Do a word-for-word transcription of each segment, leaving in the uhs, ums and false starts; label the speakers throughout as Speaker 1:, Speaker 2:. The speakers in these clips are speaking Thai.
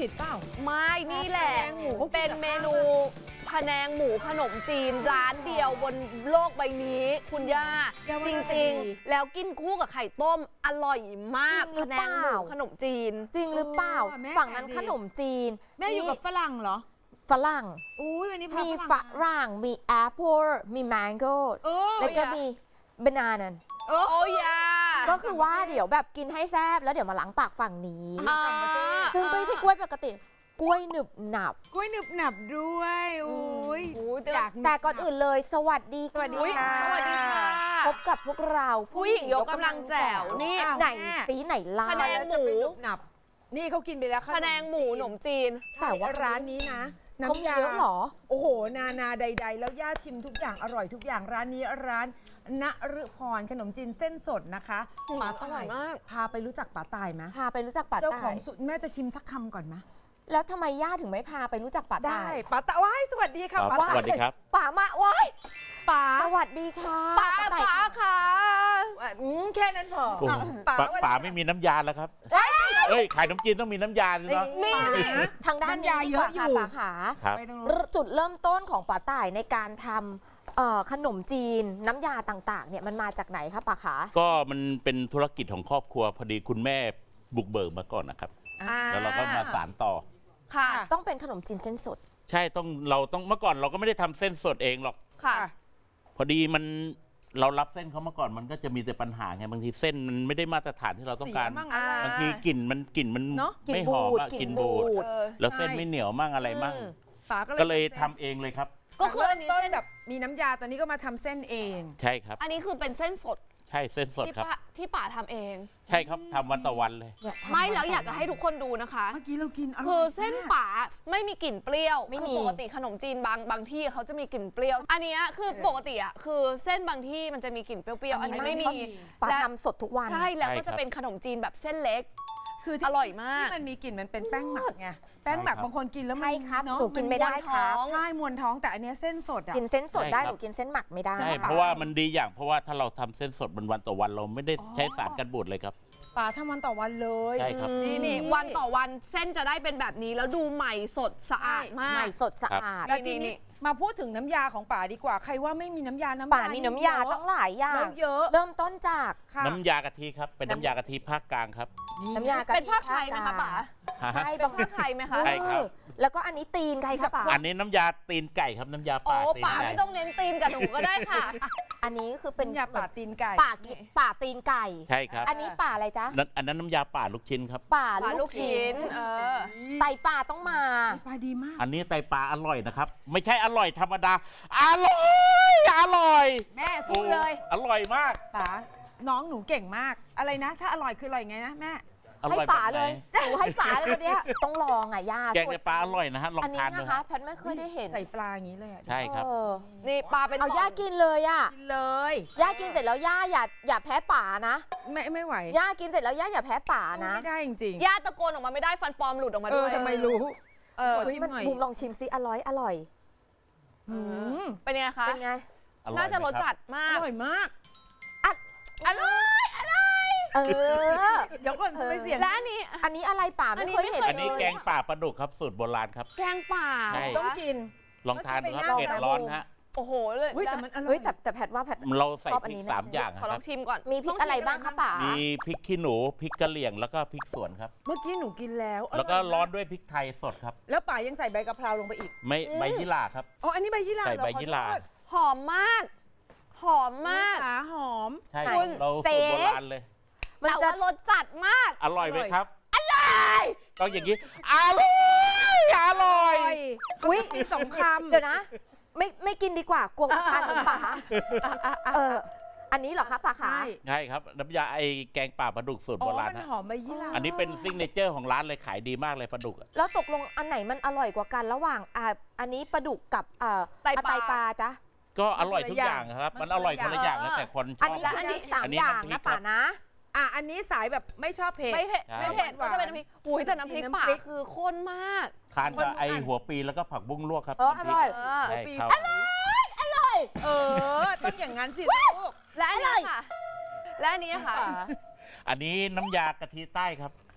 Speaker 1: ผิดเปล่า
Speaker 2: ไม่นี่แหละเป็นเมนูพะแนงหมูขนมจีนร้านเดียวบนโลกใบนี้คุณย่าจริงๆแล้วกินคู่กับไข่ต้มอร่อยมากพะแนงหมูขนมจีน
Speaker 3: จริงหรือเปล่าฝั่งนั้นขนมจีน
Speaker 1: แม่อยู่กับฝรั่งเหรอ
Speaker 3: ฝรั่งมีฝรั่งมีแอปเปิลมีแมงโก้แล้วก็มีบานานัน
Speaker 2: โอ้ยา
Speaker 3: ก็คือว่าเดี๋ยวแบบกินให้แซ่บแล้วเดี๋ยวมาล้างปากฝั่งนี้ซึ่งไม่ใช่กล้วยปกติกล้วยหนึบหนับ
Speaker 1: กล้วยหนึบหนับด้วยอุ้ย
Speaker 3: แต่ก่อนอื่นเลยสวัสดี
Speaker 2: สวัสดีค่ะสวัสดีค่ะ
Speaker 3: พบกับพวกเรา
Speaker 2: ผู้หญิงยกกำลังแจ๋วนี่
Speaker 3: ไหนสีไหนล่ะ
Speaker 2: พะแนงหมู
Speaker 1: หนับนี่เขากินไปแล้ว
Speaker 2: พะแนงหมูขนมจีน
Speaker 1: แต่ว่าร้านนี้นะ
Speaker 3: น้ำยาเยอะหรอ
Speaker 1: โอ้โหนานาใดๆแล้วย่าชิมทุกอย่างอร่อยทุกอย่างร้านนี้ร้านณฤพรขนมจีนเส้นสดนะคะ
Speaker 2: ป๋าอร่อยมาก
Speaker 1: พาไปรู้จักป๋าตายไหม
Speaker 3: พาไปรู้จักป๋าตาย
Speaker 1: เจ้าของสุดแม่จะชิมสักคำก่อนไหม
Speaker 3: แล้วทำไมย่าถึงไม่พาไปรู้จักป๋าตาย
Speaker 1: ได้ป๋าตายว้ายสวัสดีค่ะป๋า
Speaker 4: สวัสดีครับ
Speaker 3: ป๋ามาว้าย
Speaker 1: ป๋า
Speaker 3: สวัสดีค่ะ
Speaker 2: ป๋าป๋าค่ะ
Speaker 1: แค่นั้นพอ
Speaker 4: ป๋าป๋าไม่มีน้ำยาแล้วครับเอ้ยขายขนมจีนต้องมีน้ำยาเลยเนาะ
Speaker 3: มีทางด้านยาเยอะอยู่ป๋าขาจุดเริ่มต้นของป๋าตายในการทำขนมจีนน้ำยาต่างๆเนี่ยมันมาจากไหนคะป๋าขา
Speaker 4: ก็มันเป็นธุรกิจของครอบครัวพอดีคุณแม่บุกเบิกมาก่อนนะครับแล้วเราก็มาสานต่อ
Speaker 3: ค่ะต้องเป็นขนมจีนเส้นสด
Speaker 4: ใช่ต้องเราต้องเมื่อก่อนเราก็ไม่ได้ทำเส้นสดเองหรอก
Speaker 2: ค่ะ
Speaker 4: พอดีมันเรารับเส้นเขามาก่อนมันก็จะมีแต่ปัญหาไงบางทีเส้นมันไม่ได้มาตรฐานที่เราต้องการบางทีกลิ่นมันกลิ่นมันไม่หอมกลิ่นบูดแล้วเส้นไม่เหนียวมั่งอะไรมั่งก็เลยทำเองเลยครับ
Speaker 1: ก็คืออันนี้ต้นแบบมีน้ำยาตอนนี้ก็มาทำเส้นเอง
Speaker 4: ใช่ครับ
Speaker 2: อันนี้คือเป็นเส้นสด
Speaker 4: ใช่เส้นสดครับ
Speaker 2: ที่ป๋าทำเอง
Speaker 4: ใช่ครับทำวันต่อวันเลย
Speaker 2: ไม่แล้วอยากจะให้ทุกคนดูนะคะ
Speaker 1: เมื่อกี้เรากิน
Speaker 2: คือเส้นป๋าไม่มีกลิ่นเปรี้ยวไม่มีปกติขนมจีนบางบางที่เขาจะมีกลิ่นเปรี้ยวอันนี้คือปกติอ่ะคือเส้นบางที่มันจะมีกลิ่นเปรี้ยวๆอันนี้ไม่มี
Speaker 3: ป๋าทำสดทุกวัน
Speaker 2: ใช่แล้วก็จะเป็นขนมจีนแบบเส้นเล็กคืออร่อยมาก
Speaker 1: ที่มันมีกลิ่นมันเป็นแป้งหมักไงแป้งหมักบางคนกินแล้วมัน
Speaker 3: เนาะหนูกินไม่ได้ครับ
Speaker 1: ใช่มวนท้องแต่อันนี้เส้นสดอ่ะ
Speaker 3: กินเส้นสดได้หนูกินเส้นหมักไม่ได้
Speaker 4: ใช่เพราะว่ามันดีอย่างเพราะว่าถ้าเราทำเส้นสดมันวันต่อวันเราไม่ได้ใช้สารกันบูดเลยครับ
Speaker 1: ป๋าทำวันต่อวันเลย
Speaker 4: ใช่ครับ
Speaker 2: นี่นี่วันต่อวันเส้นจะได้เป็นแบบนี้แล้วดูใหม่สดสะอาดมาก
Speaker 3: ใหม่สดสะอาด
Speaker 1: แล้วทีนี้มาพูดถึงน้ำยาของป๋าดีกว่าใครว่าไม่มีน้ำยาน้ำ
Speaker 3: ป๋ามีน้ำยาต้องหลายอย่าง
Speaker 1: เยอะ
Speaker 3: เริ่มต้นจาก
Speaker 4: น้ำยากะทิครับเป็นน้ำยากะทิภาคกลางครับ
Speaker 3: น้ำยากะทิ
Speaker 2: เป็นภาคไทยไหมคะป๋า
Speaker 3: ใช่
Speaker 2: บางภาคไทยไหมคะ
Speaker 4: ใช่ครับ
Speaker 3: แล้วก็อันนี้ตีนใครคะป๋า
Speaker 4: อันนี้น้ำยาตีนไก่ครับน้ำยาป่าตีน
Speaker 2: ไก่ป๋าไม่ต้องเน้นตีนกับหนูก็ได้ค่ะ
Speaker 3: อันนี้คือเป็น
Speaker 1: ยาป่าตีนไก่
Speaker 3: ป่าป่าตีนไก่
Speaker 4: ใช่ครับ
Speaker 3: อันนี้ป่าอะไรจ๊ะ
Speaker 4: อันนั้นน้ำยาป่าลูกชิ้นครับ
Speaker 3: ป่าลูกชิ้นเออไตป่าต้องมา
Speaker 1: ปลาดีมาก
Speaker 4: อันนี้ไตปลาอร่อยนะครับไม่ใช่อร่อยธรรมดาอร่อยอร่อย
Speaker 1: แม่สู้เลย
Speaker 4: อร่อยมาก
Speaker 1: ป๋าน้องหนูเก่งมากอะไรนะถ้าอร่อยคืออะไรไงนะแม่
Speaker 3: ให้ป๋าเลยหนูให้ป๋าเลยวันนี้ต้องลองอ่ะย่า
Speaker 4: แกงปลาอร่อยนะฮะลองทาน
Speaker 3: ดูนะคะแพทไม่เคยได้เห็น
Speaker 1: ใส่ปลาอย่างนี้เลย
Speaker 4: ใช่ครับ
Speaker 2: นี่ปลาเป็น
Speaker 3: เอาย่ากินเลยอ่ะ
Speaker 1: กินเลย
Speaker 3: ย่ากินเสร็จแล้วย่าอย่าอย่าแพ้ป๋านะ
Speaker 1: ไม่ไม่ไหว
Speaker 3: ย่ากินเสร็จแล้วย่าอย่าแพ้ป๋านะ
Speaker 1: ไม่ได้จริง
Speaker 2: ๆย่าตะโกนออกมาไม่ได้ฟันปลอมหลุดออกมาด้วย
Speaker 1: ทำไมรู้
Speaker 3: เออชิมหน่อยบุมลองชิมซิอร่อยอร่อย
Speaker 2: เป็นไงคะ
Speaker 3: เป็นไง
Speaker 2: น่าจะรสจัดมาก
Speaker 1: อร่อยมาก
Speaker 2: อร่อยอร่อย
Speaker 3: เออ
Speaker 1: เดี๋ยวก่อนไม่เสียง
Speaker 2: และอันนี้
Speaker 3: อันนี้อะไรป่าไม่เคยเห็น
Speaker 4: อันนี้แกงป่าปลาดุกครับสูตรโบราณครับ
Speaker 2: แกงป่า
Speaker 1: ต้องกิน
Speaker 4: ลองทานดูครับเผ็ดร้อนฮะ
Speaker 2: โอ้โหเลย
Speaker 1: แต่มันอร่
Speaker 3: อยแต่แต่แพทว่าแพท
Speaker 4: เราใส่พริกสามอย่าง
Speaker 2: ขอลองชิมก่อน
Speaker 3: มีพริกอะไรบ้างคะป่า
Speaker 4: มีพริกขี้หนูพริกกะเหรี่ยงแล้วก็พริกสวนครับ
Speaker 1: เมื่อกี้หนูกินแล้ว
Speaker 4: แล้วก็ร้อนด้วยพริกไทยสดครับ
Speaker 1: แล้วป่ายังใส่ใบกะเพราลงไปอีก
Speaker 4: ไม่ใบยี่หร่าครับ
Speaker 1: อ๋ออันนี้ใบยี่หร่า
Speaker 4: ใส่ใบยี่หร่า
Speaker 2: หอมมากหอมมาก
Speaker 1: ขาหอม
Speaker 4: ใช่เราสูตรโบราณเลย
Speaker 2: แต่ว่ารสจัดมาก
Speaker 4: อร่อยไหมครับ
Speaker 2: อร่อย
Speaker 4: ต้องอย่างนี้อร่อยอร่อย
Speaker 1: อุ้ยสองคำ
Speaker 3: เดี๋ยวนะไม่ไม่กินดีกว่ากลัวทานของป่าเอออันนี้เหรอคะป่าขา
Speaker 4: ใช่ครับน้ำยาไอแกงป่าปลาดุกสูตรโบราณ
Speaker 1: หอมใบยี่หร่า
Speaker 4: อันนี้เป็นซิกเนเจอร์ของร้านเลยขายดีมากเลยปลาดุก
Speaker 3: แล้วตกลงอันไหนมันอร่อยกว่ากันระหว่างอ่าอันนี้ปลาดุกกับเอ่อไตปลาจ๊ะ
Speaker 4: ก็อร่อยทุกอย่างครับมันอร่อยคนละอย่างแล้วแต่คนชอบ
Speaker 3: อันนี้อันนี้สามอย่างนะป่านะ
Speaker 1: อ่ะอันนี้สายแบบไม่ชอบเผ็ด
Speaker 2: ไม่เผ็ดไม่เผ็ดก็จะเป็นน้ำพริกอุ้ยแต่น้ำพริกป่าคือข้นมาก
Speaker 4: ทานกับไอหัวปีแล้วก็ผักบุ้งลวกครับ
Speaker 3: อร่อย
Speaker 4: อ
Speaker 3: ร่อยอร่อย
Speaker 1: เออต้องอย่างนั้นสิลูก
Speaker 2: และอันนี้ค่ะและอันนี้ค่ะ
Speaker 4: อันนี้น้ำยากะทิใต้ครับ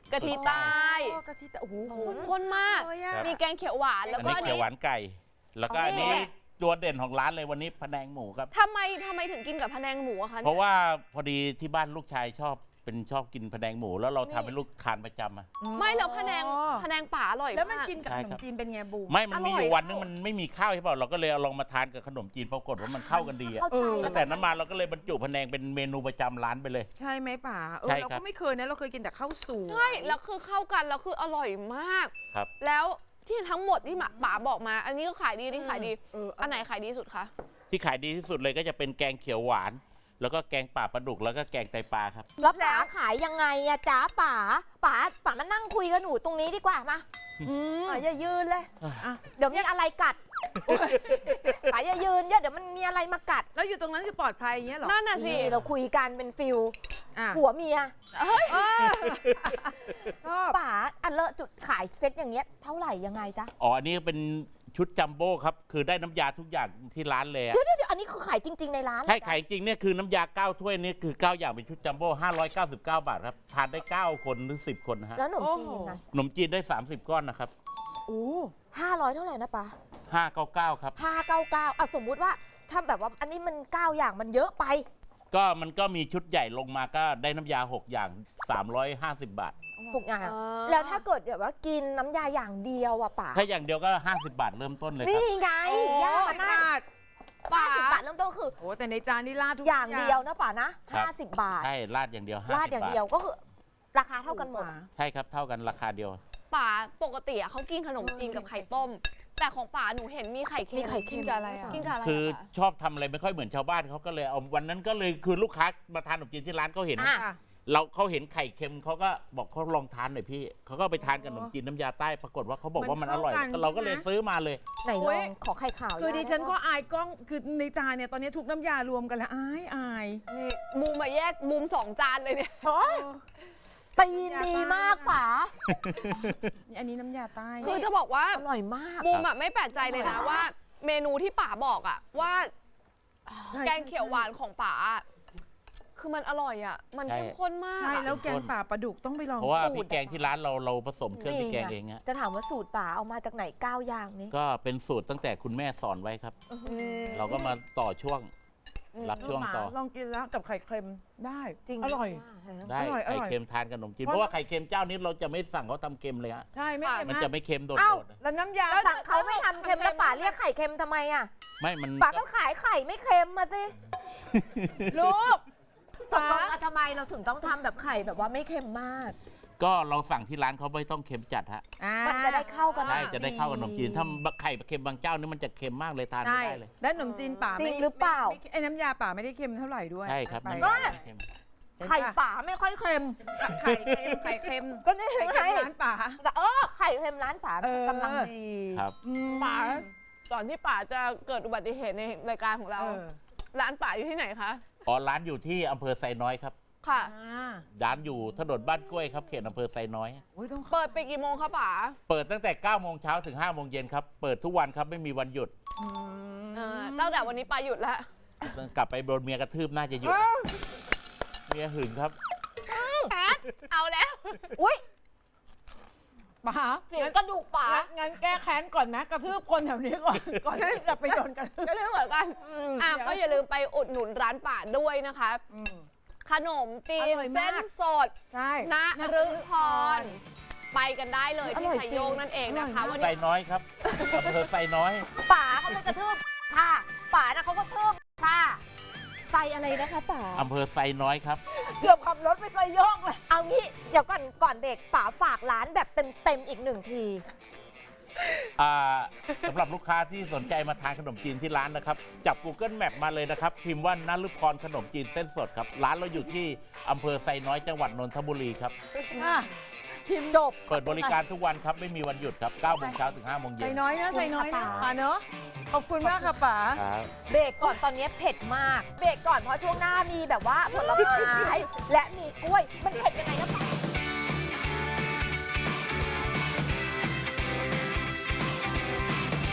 Speaker 2: กะทิใต้
Speaker 1: โอ้กะทิแต่โอ้โห
Speaker 2: ข้นมาก
Speaker 1: เลยอะ
Speaker 2: มีแกงเขียวหวานแล้ว
Speaker 4: อัน
Speaker 2: ก็
Speaker 4: นี้
Speaker 2: อัน
Speaker 4: เขียว
Speaker 2: นี้
Speaker 4: หวานไก่ แล้วก็
Speaker 2: อ๋ออั
Speaker 4: อันนี้ตัวเด่นของร้านเลยวันนี้พะแนงหมูครับ
Speaker 2: ทำไมทำไมถึงกินกับพะแนงหมูอะคะ
Speaker 4: เพราะว่าพอดีที่บ้านลูกชายชอบเป็นชอบกินพะแนงหมู แล้วเราทำให้ลูกทานประจำอะ
Speaker 2: ไม่แล้วพะแนง
Speaker 1: อ๋อ
Speaker 2: พะแนงป่าอร่อย
Speaker 1: แล้วมัน
Speaker 2: มาก
Speaker 1: กินกับ
Speaker 4: ใช่
Speaker 1: ขน
Speaker 4: ครั
Speaker 1: ม
Speaker 4: บ
Speaker 1: จีนเป็นไงบูม
Speaker 4: ไม่มันมีอ
Speaker 2: อร่
Speaker 4: ยู่
Speaker 2: อย
Speaker 4: วันนึงมันไม่มีข้าวใช่เปล่าเราก็เลยเอาลองมาทานกับขนมจีนปรากฏว่ามันเข้ากันดีอะ
Speaker 3: เข้าใจ
Speaker 4: ตั้งแต่นั้นมาเราก็เลยบรรจุพะแนงเป็นเมนูประจำร้านไปเลย
Speaker 1: ใช่ไหมป๋าเออ
Speaker 4: ใช่
Speaker 1: เรา
Speaker 4: ครับ
Speaker 1: ก็ไม่เคยนะเราเคยกินแต่ข้าวสวย
Speaker 2: ใช่แล้วคือเข้ากันแล้วคืออร่อยมาก
Speaker 4: ครับ
Speaker 2: แล้วที่ทั้งหมดที่หมาป๋าบอกมา อันนี้ก็ขายดีอันนี่ขายดี
Speaker 1: เออ
Speaker 2: อันไหนขายดีสุดคะ
Speaker 4: ที่ขายดีที่สุดเลยก็จะเป็นแกงเขียวหวาน แล้วก็แกงป่าปลาดุกแล้วก็แกงไตปลาครับ
Speaker 3: แล้วป๋าขายยังไงอะจ๊ะป๋าป๋าป๋ามานั่งคุยกับหนูตรงนี้ดีกว่ามา
Speaker 1: อืม
Speaker 3: ป๋าอย่ายืนเลย
Speaker 1: อ่ะ
Speaker 3: เดี๋ยวมีอะไรกัดป๋าอย่ายืนเยอะเดี๋ยวมันมีอะไรมากัด
Speaker 1: แล้วอยู่ตรงนั้นคือปลอดภัยอย่างเงี้ยเหรอ
Speaker 2: นั่นน่ะสิ
Speaker 3: นี่เราคุยกันเป็นฟิล
Speaker 1: อ่ะ
Speaker 3: ผัวเมีย
Speaker 1: เออชอบ
Speaker 3: ป๋าอันเลอะจุดขายเซ็ตอย่างเงี้ยเท่าไหร่ยังไงจ๊ะ
Speaker 4: อ๋ออันนี้เป็นชุดจัมโบ้ครับคือได้น้ำยาทุกอย่างที่ร้านเลยอะ
Speaker 3: เดี๋ยวเดี๋ยวอันนี้คือขายจริง ๆในร้าน
Speaker 4: ใช่
Speaker 3: เหรอจ๊ะ
Speaker 4: ขายจริงเนี่ยคือน้ำยาเก้าถ้วยนี่คือเก้าอย่างเป็นชุดจัมโบ้ห้าร้อยเก้าสิบเก้าบาทครับทานได้เก้าคนหรือสิบคนนะฮะ
Speaker 3: แล้วขนมจีนนะ
Speaker 4: ขนมจีนได้สามสิบก้อนนะครับ
Speaker 1: โอ้
Speaker 3: ห้าร้อยเท่าไหร่นะป๋า
Speaker 4: ห้าเก้าเก้าครับ
Speaker 3: ห้าเก้าเก้าอ่ะสมมุติว่าถ้าแบบว่าอันนี้มันเก้าอย่างมันเยอะไป
Speaker 4: ก็มันก็มีชุดใหญ่ลงมาก็ได้น้ำยาหกอย่างสามร้อยห้าสิบบาท
Speaker 3: ถูกอย่าง
Speaker 2: อ่า
Speaker 3: แล้วถ้าเกิดแบบว่ากินน้ำยาอย่างเดียวอะป๋า
Speaker 4: ถ้าอย่างเดียวก็ห้าสิบบาทเริ่มต้นเลยค
Speaker 3: นี่
Speaker 4: รับ
Speaker 3: ไง
Speaker 1: โอ้
Speaker 3: ย่ามานั่ง
Speaker 1: ขาด
Speaker 2: ป๋า
Speaker 3: ห้าสิบบาทเริ่มต้นก็คือ
Speaker 1: โอ้แต่ในจานนี่ราดทุก
Speaker 3: อย่างเดียวนะป๋านะห้าสิบบาท
Speaker 4: ใช่ราดอย่างเดียวห้า
Speaker 3: ราด
Speaker 4: สิบ
Speaker 3: อย่าง
Speaker 4: บาท
Speaker 3: เดียวก็คือราคาเท่ากันหมด
Speaker 4: ใช่ครับเท่ากันราคาเดียว
Speaker 2: ป๋าปกติอะเขากินขนมจีนกับไข่ต้ม แต่ของป๋าหนูเห็นมีไข่เค็ม
Speaker 3: มีไข่เค็ม
Speaker 2: กินกับอะไรอะกินกับอะไร
Speaker 4: คือ
Speaker 2: อะ
Speaker 4: ชอบทำอะไรไม่ค่อยเหมือนชาวบ้านเขาก็เลยเอาวันนั้นก็เลยคือลูกค้ามาทานขนมจีนที่ร้านเขาเห็น
Speaker 3: อ่ะ
Speaker 1: ค่ะ
Speaker 4: เราเขาเห็นไข่เค็มเขาก็บอกเขาลองทานหน่อยพี่เขาก็ไปทานกับขนมจีนน้ำยาใต้ปรากฏว่าเขาบอกว่ามันอร่อย
Speaker 1: มันเข้ากัน
Speaker 4: เราก็เลย
Speaker 1: ใช่ไหม
Speaker 4: ซื้อมาเลย
Speaker 3: ไหนลองขอไข่ขาว
Speaker 1: คือดิฉันก็
Speaker 3: ย่า
Speaker 1: อายกล้องคือในจานเนี่ยตอนนี้ทุกน้ำยารวมกันแล้วอายอาย
Speaker 2: นี่บูมมาแยกบูมสองจานเลยเนี่ย
Speaker 3: โอ๊ยตีนดีมากป๋า
Speaker 1: นี่อันนี้น้ำยาใต้
Speaker 2: คือจะบอกว่า
Speaker 3: อร่อยมาก
Speaker 2: บูมอะไม่แปลกใจเลยนะว่า เมนูที่ป๋าบอกอะว่า
Speaker 1: ใช่
Speaker 2: แกงเขียวหวานของป๋าอะคือมันอร่อยอะมัน
Speaker 4: ใช่
Speaker 2: เข้มข้นมาก
Speaker 1: ใช่
Speaker 2: อะ
Speaker 1: แล้วแกงป่าปลาดุกต้องไปลอง
Speaker 4: เพราะว่า
Speaker 1: สู
Speaker 4: พริ
Speaker 1: ต
Speaker 4: ก
Speaker 1: ร
Speaker 4: แกงที่ร้านเราเราผสมเครื่องพริกแกง
Speaker 3: นี่ไง
Speaker 4: เองฮะ
Speaker 3: จะถามว่าสูตรป๋าเอามาจากไหนเก้าอย่างนี้
Speaker 4: ก็เป็นสูตรตั้งแต่คุณแม่สอนไว้ครับ
Speaker 2: อืม
Speaker 4: เราก็มาต่อช่วง
Speaker 2: อืม
Speaker 4: รับช่วงต่อ
Speaker 1: ลองกินแล้วกับไข่เค็มได้
Speaker 3: จริง
Speaker 1: อร่อย
Speaker 4: ได้
Speaker 1: อร่อยอ
Speaker 4: ไข่
Speaker 1: ร่อย
Speaker 4: เค็มทานกับขนมจีน
Speaker 1: เพราะ
Speaker 4: เพราะว่าไข่เค็มเจ้านี้เราจะไม่สั่งเขาทำเค็มเลยฮะ
Speaker 1: ใช่ไม่เค็ม
Speaker 4: มัน
Speaker 1: มา
Speaker 4: จะ
Speaker 1: ก
Speaker 4: ไม่เค็มโด
Speaker 3: เอ้า
Speaker 4: ดๆ
Speaker 1: แล้วน้ำยา
Speaker 3: สั่งเขาไม่ทำเค็มแล้วป๋าเรียกไข่เค็มทำไมอ่ะ
Speaker 4: ไม่มัน
Speaker 3: ป๋าก็ขายไข่ไม่เค็มมาสิ
Speaker 1: ลูก
Speaker 3: ตกลงอ่ะทำไมเราถึงต้องทำแบบไข่แบบว่าไม่เค็มมาก
Speaker 4: ก็เราสั่งที่ร้านเขาไม่ต้องเค็มจัดฮะ
Speaker 1: อ่า
Speaker 3: มันจะได้เข้ากัน
Speaker 4: ใช่จะได้เข้ากับขนมจีนถ้าไข่เค็มบางเจ้านี่มันจะเค็มมากเลยทานไม่
Speaker 1: ใช่
Speaker 4: ได้เลย
Speaker 1: และขนมจีนป่า
Speaker 3: จริง
Speaker 1: ไม่
Speaker 3: หรือเปล่า
Speaker 1: ไม่ไม่ไอ้น้ำยาป่าไม่ได้เค็มเท่าไหร่ด้วย
Speaker 4: ใช่ครับ
Speaker 1: ไป
Speaker 4: น้ำยาเค็ม
Speaker 3: ไข่ป๋าไม่ค่อยเค็ม
Speaker 1: ไข่เค็มไข่เค็ม
Speaker 3: ก็นี่
Speaker 1: ไข่
Speaker 3: ไง
Speaker 1: เค็มร้านป่า
Speaker 3: แต่เออไข่เค็มร้านป๋า
Speaker 1: เออ
Speaker 3: กำลังดี
Speaker 4: ครับ
Speaker 1: อืม
Speaker 2: ป๋าก่อนที่ป๋าจะเกิดอุบัติเหตุในรายการของเรา
Speaker 1: เออ
Speaker 2: ร้านป๋าอยู่ที่ไหนคะ
Speaker 4: อ๋อร้านอยู่ที่อำเภอไซน้อยครับ
Speaker 2: ค่ะ
Speaker 1: อ่า
Speaker 4: ร้านอยู่ถนนบ้านกล้วยครับเขตอำเภอไซน้อย
Speaker 1: โอ้ยต้องเข้า
Speaker 2: เปิดไปกี่โมงคะป๋า
Speaker 4: เปิดตั้งแต่เก้าโมงเช้าถึงห้าโมงเย็นครับ เปิดทุกวันครับไม่มีวันหยุด
Speaker 1: อืม
Speaker 2: เออตั้งแต่วันนี้ป๋าหยุดแล้ว
Speaker 4: กลับไปโดนเมียกระทืบน่าจะหยุด เมียหึงครับ
Speaker 2: แพทเอาแล้ว
Speaker 3: อุ้ย
Speaker 1: ป่า
Speaker 3: เสียงกระดูกป๋า
Speaker 1: งั้นงั้นแก้แค้นก่อนนะกระทืบคนแถวนี้ก่อน ก่อนที่จะไปโดนกัน
Speaker 2: ก็เรื่องเหมือนกันอ่ะก็อย่าลืมไปอุดหนุนร้านป๋าด้วยนะคะ
Speaker 1: อืม
Speaker 2: ขนมจีน
Speaker 1: อร่อยมาก
Speaker 2: เส้นสด
Speaker 1: ใช่
Speaker 2: ณฤพร ไปกันได้เลย
Speaker 3: อ
Speaker 2: ที่
Speaker 3: ร่อย
Speaker 2: ไทย
Speaker 3: จริง
Speaker 2: โยงนั่นเองนะคะ
Speaker 1: อร่อยมาก
Speaker 2: วัน
Speaker 4: ไซ
Speaker 2: นี้
Speaker 4: น้อยครับอำเภอไซน้อย
Speaker 3: ป๋าเขาไม่กระทืบค่ะป๋านะเขาก็ทืบค่ะใส่อะไรนะคะป๋า
Speaker 4: อำเภอไซน้อยครับ
Speaker 1: เกือบขับรถไปใส่โยกเลย
Speaker 3: เอางี้เดี๋ยวก่อนก่อนเบรกป๋าฝากร้านแบบเต็มเต็มๆอีกหนึ่งที
Speaker 4: อ่าสำหรับลูกค้าที่สนใจมาทานขนมจีนที่ร้านนะครับ จับ Google Map มาเลยนะครับ พิมพ์ว่านฤพรขนมจีนเส้นสดครับ ร้านเราอยู่ที่อำเภอไซน้อยจังหวัดนนทบุรีครับ
Speaker 1: อ่ะพิมพ์
Speaker 3: จบ
Speaker 4: เปิดบริการทุกวันครับ ไม่มีวันหยุดครับเก้าโมงเช้าถึงห้าโมงเย็
Speaker 1: ใส่
Speaker 4: น
Speaker 1: น้อยนะใส่น้อยนะ
Speaker 3: ขอบคุณค่ะ
Speaker 1: ป่าเนอะขอบคุณมากค่ะป๋า
Speaker 4: ครับ
Speaker 3: เบรกก่อนตอนนี้เผ็ดมาก เบรกก่อนเพราะช่วงหน้ามีแบบว่าผลไม้และมีกล้วย มันเผ็ดยังไงนะป๋า